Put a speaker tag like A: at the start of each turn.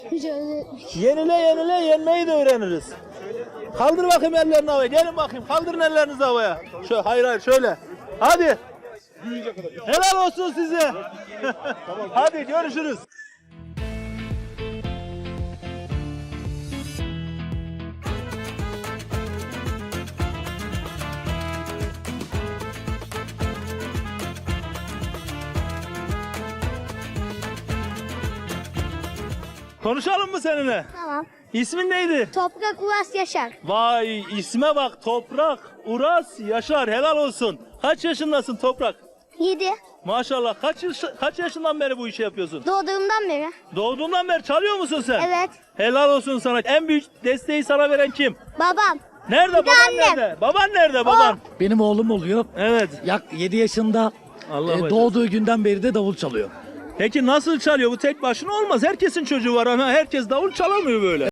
A: Yenile yenile yenmeyi de öğreniriz. Kaldır bakayım ellerini havaya. Gelin bakayım. Kaldırın ellerinizi havaya. Şöyle, hayır şöyle. Hadi. Helal olsun size. Hadi görüşürüz. Konuşalım mı seninle?
B: Tamam.
A: İsmin neydi?
B: Toprak Uras Yaşar.
A: Vay isme bak, Toprak Uras Yaşar, helal olsun. Kaç yaşındasın Toprak?
B: 7.
A: Maşallah, kaç yaşından beri bu işi yapıyorsun?
B: Doğduğumdan beri.
A: Doğduğundan beri çalıyor musun sen?
B: Evet.
A: Helal olsun sana. En büyük desteği sana veren kim?
B: Babam.
A: Nerede
B: Bir de
A: baban
B: annem.
A: nerede? Baban nerede baban?
C: Benim oğlum oluyor.
A: Evet.
C: 7 yaşında
A: Allah başlasın.
C: doğduğu günden beri de davul çalıyor.
A: Peki nasıl çalıyor? Bu tek başına olmaz. Herkesin çocuğu var ama herkes davul çalamıyor böyle.